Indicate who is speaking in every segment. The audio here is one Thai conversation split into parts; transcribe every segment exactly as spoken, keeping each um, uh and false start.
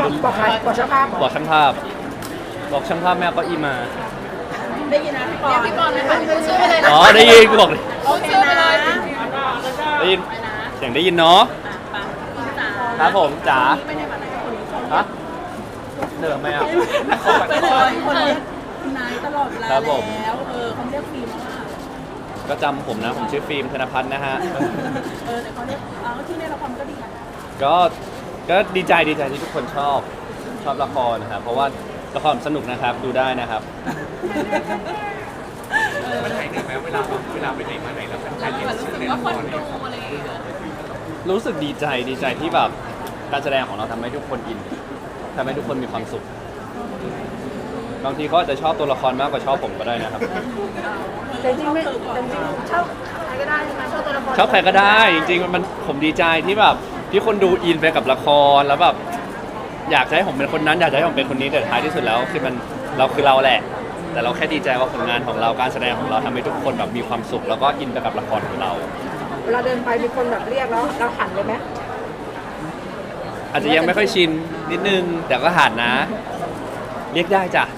Speaker 1: บอกใครบอกช่างภาพ
Speaker 2: บอกช่างภาพบอกช่างภาพแม่เอาเก็อีมา
Speaker 1: ได้ยินนะพี่ปอนพี่ปอนเลยค่ะพูดชื่อไปเลยนะ
Speaker 2: อ๋อได้ยินกูบอกเลย
Speaker 1: โอเคไปเลย
Speaker 2: ได้ยินเสียงได้ยินเนาะครับผมจ๋าฮะเหนื่อยไหมอ่ะ
Speaker 1: ไปเลยคนเรียกนายตลอดเวลา
Speaker 2: ครับผม
Speaker 1: แล้วเออเขาเรียกฟิล์มว่า
Speaker 2: ก็จำผมนะผมชื่อฟิล์มธนพัฒน์นะฮะ
Speaker 1: เออแต่เขาเรียกเอาที่ในละครก็ดีนะ
Speaker 2: ก็ก็ดีใจดีใจที่ทุกคนชอบชอบละครนะครับเพราะว่าละครสนุกนะครับดูได้นะครับ
Speaker 3: มันหายเหนื่อยไหมเวลาเวลาไปไหนมาไหนแล้วแฟนๆเรียกชื่อในละครเนี่ย
Speaker 2: รู้สึกดีใจดีใจที่แบบการแสดงของเราทำให้ทุกคนอินทำให้ทุกคนมีความสุขบางทีเขาอาจจะชอบตัวละครมากกว่าชอบผมก็ได้นะครับ
Speaker 1: แต่จริงไม่แต่จริงชอบใครก็ได้ใช่ไหมชอบตัวละคร
Speaker 2: ชอบใครก็ได้จริงๆมันผมดีใจที่แบบที่คนดูอินไปกับละครแล้วแบบอยากจะให้ผมเป็นคนนั้นอยากจะให้ผมเป็นคนนี้แต่ท้ายที่สุดแล้วคือมันเราคือเราแหละ แต่เราแค่ดีใจว่าผลงานของเราการแสดงของเราทำให้ทุกคนแบบมีความสุขแล้วก็อินไปกับละครของเรา
Speaker 1: เวลาเดินไปมีคนแบบเรียกแล้วเราหันเลยไหม
Speaker 2: อาจจะยังไม่ค่อยชินนิดนึงแต่ก็หันนะ เรียกได้จ้ะ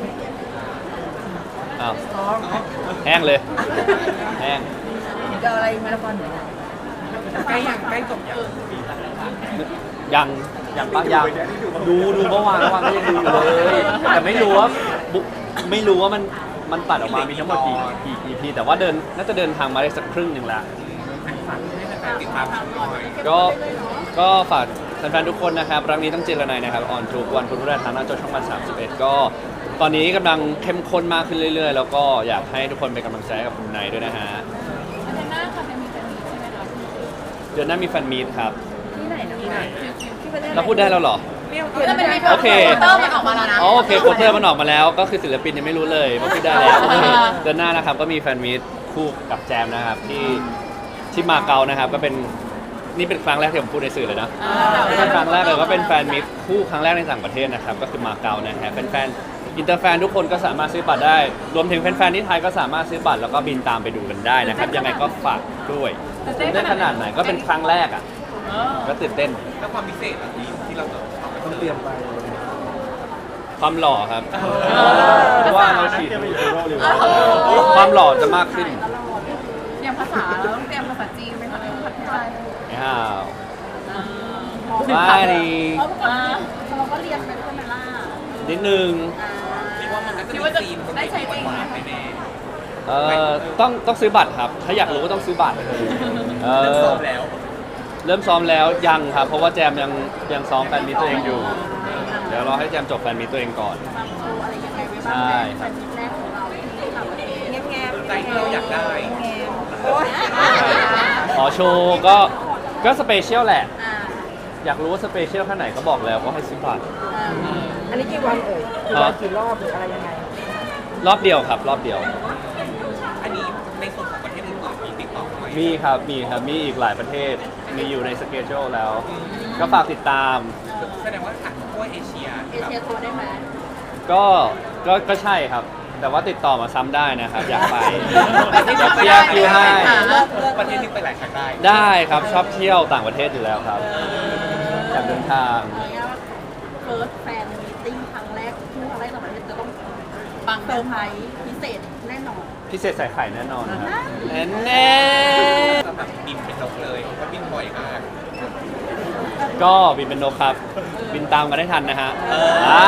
Speaker 2: อ้าวแห้งเลยแห้ง
Speaker 1: เจออะไรมาละครเหนือ
Speaker 3: ใกล้ยังใกล้จบยัง
Speaker 2: ยังยังปะยังดูดูเมื่อวานเมื่อวานก็ยังดูอยู่เลยแต่ไม่รู้ว่าบุ๊ไม่รู้ว่ามันมันตัดออกมามีทั้งหมดกี่กี่ อี พี แต่ว่าเดินน่าจะเดินทางมาได้สักครึ่งหนึ่งแล้ว
Speaker 3: ฝากให้แฟนๆติดตามชมหน่อย
Speaker 2: ก็ก็ฝากแฟนๆทุกคนนะครับรักนี้ต้องเจรนายนะครับออนทุกวันพุธพฤหัสทางหน้าจอช่องวันสามสิบเอ็ดก็ตอนนี้กำลังเข้มข้นมากขึ้นเรื่อยๆ แล้วก็อยากให้ทุกคนเป็นกำลังใจให้กับคุณนายด้วยนะฮะ
Speaker 1: เดือนหน้าค่ะจะมีแฟนมีตใช่ไหมคะ
Speaker 2: เดือนหน้ามีแฟนมีตครับ
Speaker 1: ที่ไหนนะที่ไหนที่ประเทศ
Speaker 2: เราพูดได้แล้วเหรอ
Speaker 1: แล้วมันมี
Speaker 2: โอเค
Speaker 1: โปสเตอร์มันออกมาแล้วนะ
Speaker 2: อ๋อโอเคโปสเตอร์มันออกมาแล้วก็คือศิลปินยังไม่รู้เลยว่าพูดได้แล้วเดือนหน้านะครับก็มีแฟนมีตคู่กับแจมนะครับที่ที่มาเก๊านะครับก็เป็นนี่เป็นครั้งแรกที่ผมพูดในสื่อเลยนะนี่เป็นครั้งแรกเลยก็เป็นแฟนมีตคู่ครั้งแรกในต่างประเทศนะครับก็คือมาเก๊านะฮะแฟนๆอินเตอร์แฟนทุกคนก็สามารถซื้อบัตรได้ รวมถึงแฟนๆที่ไทยก็สามารถซื้อบัตรแล้วก็บินตามไปดูกันได้นะครับยังไงก็ฝากด้วยตื่นเต้นขนาดไหนก็เป็นครั้งแรกอ่ะก็ตื่นเต้น
Speaker 3: แล้วความพิเศษอะที่ที่เราต้องเตรียมไป
Speaker 2: ความหล่อครับเพราะว่าเราฉีดความหล่อจะมากขึ้น
Speaker 1: อย่างภาษาเราต้องเตรียมภาษาจีนไหมคะภาษาไทย
Speaker 2: อ้าวไม่ดี
Speaker 1: เพราะเราก็เรียนไปด้วยไหมล่ะ
Speaker 2: นิดนึง
Speaker 3: คิดว่ามันก็จะมีธีมคนเด็กหวานๆแน่
Speaker 2: เอ่อต้องต้องซื้อบัตรครับ ถ้าอยากรู้ก็ต้องซื้อบัตรเอ
Speaker 3: ๆเริ่ม
Speaker 2: อ
Speaker 3: ซ้อมแล้ว
Speaker 2: เริ่มซ้อมแล้วยังครับ เพราะว่าแจมยังยังซ้อมแฟนมีตตัวเองอยู่ เดี๋ยวรอให้แจมจบแฟนมีตตัวเองก่อน
Speaker 1: โชว์อะไรยังไงไว้บ้าง
Speaker 2: ใช่
Speaker 1: ในแฟนมิตแรกของเราที่ต่างประเทศแง้ม
Speaker 3: ใจที่เราอยากได้
Speaker 1: แง้มโอ้ย
Speaker 2: ขอโชว์ก็ก็สเปเชียลแหละ
Speaker 1: อ่า
Speaker 2: อยากรู้ว่าสเปเชียลแค่ไหนก็บอกแล้วก็ให้ซื้อบัตร
Speaker 1: อันนี้กี่วันเอ่ยกี่วันกี่รอบหรืออะไรยังไง
Speaker 2: รอบเดียวครับ รอบเดียว
Speaker 3: อันนี้ในส่วนของประเทศอื่นๆมีติดต่อไหม
Speaker 2: มีครับ มีครับ มีอีกหลายประเทศ มีอยู่ในสเกจโชแล้ว ก็ฝากติดตาม
Speaker 3: แสดงว่าถังทั่วเอเชีย
Speaker 1: เอเชียทัวร์ได้ไหม
Speaker 2: ก็ ก็ ก็ใช่ครับ แต่ว่าติดต่อมาซ้ำได้นะครับ อยากไปเดี๋ยวเคลียร์คิวให้
Speaker 3: ประเทศนี้ไปหลายครั้งได้
Speaker 2: ได้ครับ ชอบเที่ยวต่างประเทศอยู่แล้วครับ อยากเดินทาง
Speaker 1: เอาง่ายๆว่าเฟิร์สแฟนมีติ้งครั้งแรกที่ครั้งแรกต่างประเทศจะต้องบังเซอร์ไพรส์พิเศษแน่นอน
Speaker 2: พิเศษใส่ไข่แน่นอนครับแน่แน่
Speaker 3: สำหรับบินเป็นนกเลยเพราะบินบ่อยมาก
Speaker 2: ก็บินเป็นนกครับ บินตามกันได้ทันนะฮะ
Speaker 3: เออ
Speaker 2: อ่า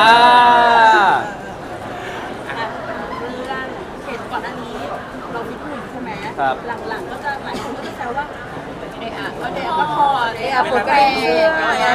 Speaker 1: อ่ะเรื่องเห็นก่อนหน้านี้เราฟิตหุ่นใช่ไหม
Speaker 2: ครับ
Speaker 1: หลังๆก็จะหลายคนก็จะแซวว่าเอะอะก็เดะก็พอเอะอะปวดกระเสื้อ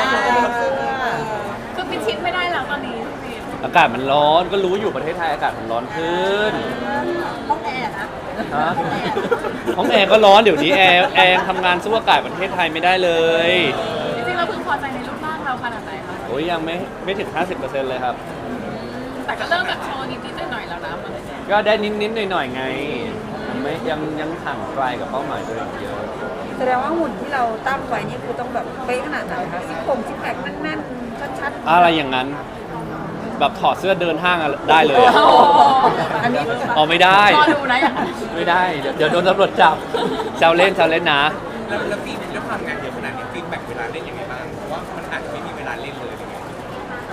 Speaker 1: คือปิดชิดไม่ได้แล้วตอนนี้พี่
Speaker 2: อากาศมันร้อน ก็รู้อยู่ประเทศไทยอากาศมันร้อนขึ้น
Speaker 1: ห้องแอร์นะ
Speaker 2: ฮะห้องแอร์ก็ร้อนเดี๋ยวนี้แอร์แอร์ยังทำงานสู้อากาศประเทศไทยไม่ได้เลย
Speaker 1: จริงๆเราพึงพอใจในรูปร่างเราขนาดไหนคะ
Speaker 2: โอ้ยยังไม่ไม่ถึง ห้าสิบเปอร์เซ็นต์ เลยครับ
Speaker 1: แต่ก็เริ่มแบบโชว์นิดๆหน่อยๆแล้วนะมันเลย
Speaker 2: ก็ได้นิดๆหน่อยๆไงยังไม่ยังยังห่างไกลกับเป้าหมายตัวเองเยอะ
Speaker 4: แสดงว่าหุ่นที่เราตั้งไว้นี่คือต้องแบบเป๊ะขนาดไหนคะซิกโครงซิกแพคแน่นๆชัดๆ
Speaker 2: อะไรอย่างนั้น แบบถอดเสื้อเดินห้างอะได้เลยอะ
Speaker 4: อันนี้
Speaker 2: อ๋อไม่ได้
Speaker 1: รอดูนะอย่างนั้น
Speaker 2: ไม่ได้ เดี๋ยวเดี๋ยวโดนตำรวจจับแซวเล่นแซวเล่นนะ
Speaker 3: แล้วแล้วฟีดด้วยความงานเยอะขนาดนี้ฟีดแบ็กเวลาเล่นยังไงบ้างเพราะว่ามันอาจจะไม่มีเวลาเล่นเลยอะไรเงี้ย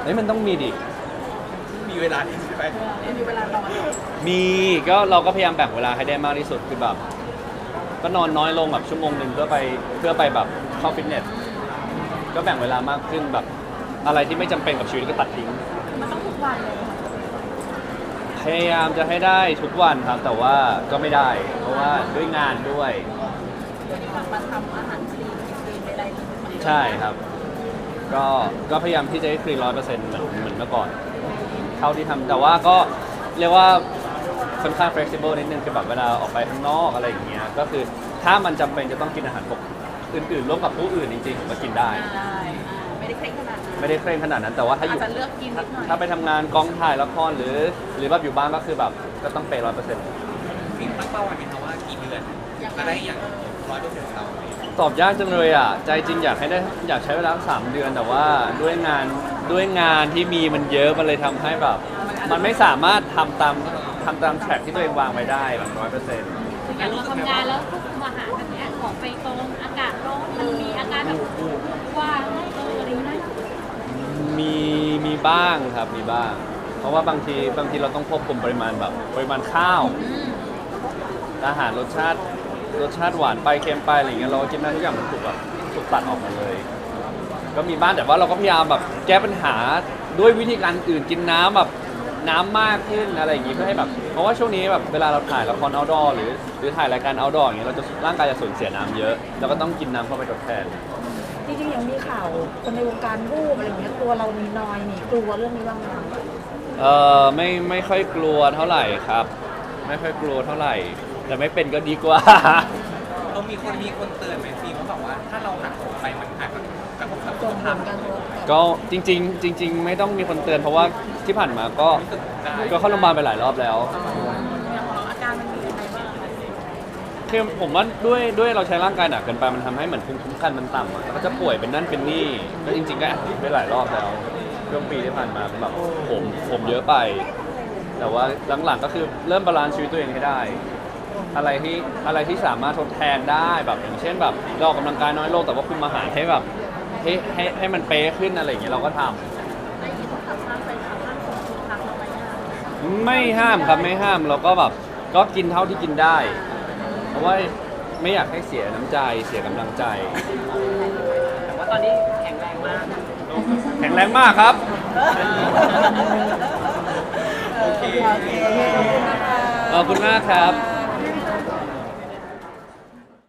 Speaker 2: เฮ้ยมันต้องมีดิ
Speaker 3: มีเวลาที่ใช่ไหม
Speaker 1: ไม่มีเวลานอน
Speaker 2: มีก็เราก็พยายามแบ่งเวลาให้ได้มากที่สุดคือแบบก็นอนน้อยลงแบบชั่วโมงหนึ่งเพื่อไปเพื่อไปแบบเข้าฟิตเนสก็แบ่งเวลามากขึ้นแบบอะไรที่ไม่จำเป็นกับชีวิตก็ตัดทิ้ง
Speaker 1: มันต้องทุกวันเลยค่ะ
Speaker 2: พยายามจะให้ได้ทุกวันครับ แต่ว่าก็ไม่ได้ เพราะว่าด้วยงานด้วย
Speaker 1: วันนี้กลับมาทำอาหารคลีนคลีนใดๆเหมือนเดิม
Speaker 2: ใช่ครับ ก็ก็พยายามที่จะให้คลีนร้อยเปอร์เซ็นต์เหมือนเหมือนเมื่อก่อนเท่าที่ทำแต่ว่าก็เรียกว่าค่อนข้าง flexible นิดนึงคือแบบเวลาออกไปข้างนอกอะไรอย่างเงี้ยก็คือถ้ามันจำเป็นจะต้องกินอาหารปกอื่นๆร่วมกับผู้อื่นจริงๆผมก็กินได้
Speaker 1: ใช่ไม่ได้เคร่งขนาดนั้น
Speaker 2: ไม่ได้เคร่งขนาดนั้น แต่ว่าถ้าอ
Speaker 1: อาจ
Speaker 2: ยู่
Speaker 1: จะเลือกกินนิดหน่อย
Speaker 2: ถ้าไปทำงานกองถ่ายละครหรือ หรือแบบอยู่บ้านก็คือแบบก็ต้องเปย์ร้อยเปอร์เซ็นต์
Speaker 3: มีตั้งเป้าไว้ไหมคะว่ากี่เดือนจะได้อย่างร้อยเปอร์เซ็นต์เรา
Speaker 2: ตอบยากจังเลยอ่ะใจจริงอยากให้ได้อยากใช้เวลาสามเดือนแต่ว่าด้วยงานด้วยงานที่มีมันเยอะมันเลยทำให้แบบ มันไม่สามารถทำตามทำตามแทร็กที่ตัวเองวางไว้ได้แบบร้อยเปอร์เซ็นต์
Speaker 5: อย่างเราทำงานแล้วควบคุมอาหารแบบเนี้ยออกไปตรงอากาศร้อนมันมีอาการแบบว่าเอออะไรนะ
Speaker 2: มีมีบ้างครับมีบ้าง เพราะว่าบางทีบางทีเราต้องควบคุมปริมาณแบบปริมาณข้าว อาหารรสชาติรสชาติหวานไปเค็มไปอะไรอย่างเงี้ยเราก็กินได้ทุกอย่างมันถูกแบบถูกตัดออกมาเลย ก็มีบ้างแต่ว่าเราก็พยายามแบบแก้ปัญหาด้วยวิธีการอื่นกินน้ำแบบน้ำมากขึ้นอะไรอย่างงี้เพื่อให้แบบเพราะว่าช่วงนี้แบบเวลาเราถ่ายละคร outdoor หรือหรือถ่ายรายการ outdoor อย่างเงี้ยเราจะร่างกายจะสูญเสียน้ำเยอะเราก็ต้องกินน้ำเข้าไปทดแทน
Speaker 4: จริงๆยังมีข่าวคนในวงการรูปอะไรอย่างเงี้ยตัวเรามีนอยมีกลัวเรื่องนี้บ้างไหมคะ
Speaker 2: เออไม่ไม่ค่อยกลัวเท่าไหร่ครับ ไม่ค่อยกลัวเท่าไหร่ แต่ไม่เป็นก็ดีกว่า
Speaker 3: เรามีคนมีคนเตือนไหมฟีเขาบอกว่าถ้าเราหักผมไปมันอาจจะกระทบกับ
Speaker 4: ส่
Speaker 3: สุ
Speaker 4: ง
Speaker 3: ข
Speaker 4: ผ
Speaker 3: ภาพ
Speaker 4: ลกระทบ
Speaker 2: ก็จริง ๆ จริง ๆ ไม่ต้องมีคนเตือนเพราะว่าที่ผ่านมาก็
Speaker 3: รู้สึกได้
Speaker 2: ก็เข้าโรงพยาบาลไปหลายรอบแล้ว
Speaker 1: อย่างของเราอาการมันมีอะไรบ้างคะ
Speaker 2: คือผมว่าด้วยด้วยเราใช้ร่างกายหนักเกินไปมันทำให้เหมือนภูมิคุ้มกันมันต่ำอะแล้วก็จะป่วยเป็นนั่นเป็นนี่ก็จริง ๆ ก็แอดมิดไปหลายรอบแล้วช่วงปีที่ผ่านมาแบบผมผมเยอะไป แต่ว่าหลังๆก็คือเริ่มบาลานซ์ชีวิตตัวเองให้ได้ อะไรที่อะไรที่สามารถทดแทนได้แบบอย่างเช่นแบบเราออกกำลังกายน้อยลงแต่ว่าคุมอาหารให้แบบให้ให้ให้มันเป๊ะขึ้นอะไรอย่างเงี้ยเราก็ทำ
Speaker 1: ได้ยินข่าวสร้างไปข่าวสร้างส่งทุกครั้งเราไปเนี่ย
Speaker 2: ไม่ห้ามครับไม่ห้ามเราก็แบบก็กินเท่าที่กินได้ เพราะว่าไม่อยากให้เสียน้ำใจเสียกำลังใจ
Speaker 1: แต่ว่าตอนนี้แข็งแรงมาก
Speaker 2: แข็งแรงมากครับ
Speaker 1: โอเค
Speaker 4: โอเคขอบคุณนะคะ
Speaker 2: ขอบคุณมากครับ